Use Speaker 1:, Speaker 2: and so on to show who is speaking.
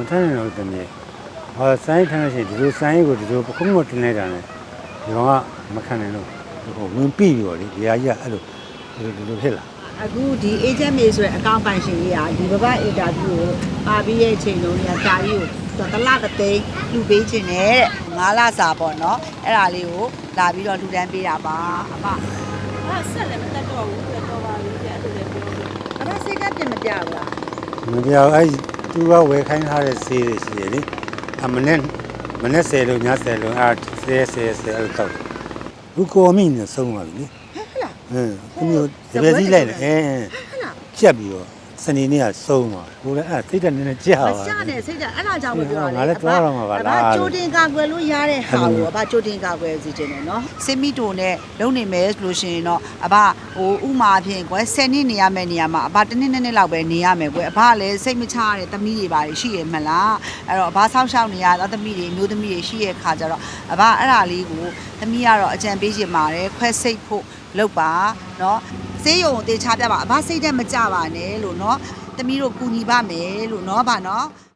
Speaker 1: ထမ်းနေတော့တည်းဟာစိုင်းထမ်းလို့ရှိရင်ဒီလိုစိုင်းကိုဒီလိုပခုံးမတင်လိုက်တာနဲ့ဒီကောင်ကမခံနိုင်လို့ဟိုဝင်ပြီးရောလေဒီဟာကြီးကအဲ့လိုဖြစ်လာ
Speaker 2: အခုဒီ agent မေဆိုတဲ့အကောင့်ပိုင်ရှင်ကြီးကဒီဘဘ interview ကိုပါပြီးရဲ့အချိန်လုံးကဒါကြီးကိုတလတစ်သိန်းလူပေးခြင်းနဲ့တဲ့9လစာပေါ့နော်အဲ့ဒါလေးကိုလာပြီးတော့လူတန်းပေးတာပါအမ
Speaker 3: ဆက်လည်းမတက်တော့ဘူးတော်ပါပြီအဲ့လိုလည်းပြောလို့
Speaker 2: အမစိတ်ကပြင်မပြဘူးလား
Speaker 1: မပြောင်းအဲ့သူကဝယ်ခိုင်းထားတဲ့ဆေးတွေရှိတယ်လေအမနဲ့10လို့ည10လို့အဲ့10အဲ့လိုတော့ဘူကောမင်းနဲ့ဆုံးသွားပြီလေ
Speaker 2: ဟဲ့လား
Speaker 1: သူမျိုးတပည့်ကြီးလိုက်တယ်
Speaker 2: ဟဲ့လား
Speaker 1: ချက်ပြီးတော့စနေနေ့ကဆုံးသွားဟိုလည်းအဲ့စိတ်တက်နေနေကြာ
Speaker 2: မ
Speaker 1: ပါ
Speaker 2: ချနဲ့စိတ်ကအဲ့ဒါကြောင့်မပြောရ
Speaker 1: ငါလည်းသွားတော့မှာပါလား
Speaker 2: ကြိုတင်ကာကွယ်လို့ရတဲ့ဟာကိုအဘကြိုတင်ကာကွယ်စီခြင်းတယ်နော်စင်မီတိုနဲ့လုံနေမယ်ဆိုလို့ရှိရင်တော့အဘဟိုဥမာဖြင့်ကွယ်10နှစ်နေရမယ့်နေရာမှာအဘတစ်နှစ်လောက်ပဲနေရမယ်ကွယ်အဘကလည်းစိတ်မချရတဲ့သမီးတွေပါရှိရမလားအဲ့တော့အဘဆောက်ရှောက်နေရတဲ့သမီးတွေမျိုးသမီးတွေရှိရခါကြတော့အဘအဲ့ဒါလေးကိုသမီးကတော့အကြံပေးချင်ပါတယ်ခွဲစိတ်ဖို့လုပ်ပါနော်ဆေးရုံကိုတေချာပြပါအဘစိတ်ထဲမကြပါနဲ့လို့နော်သမီးတို့ကူညီပါမယ်လို့နော်ဗာနော်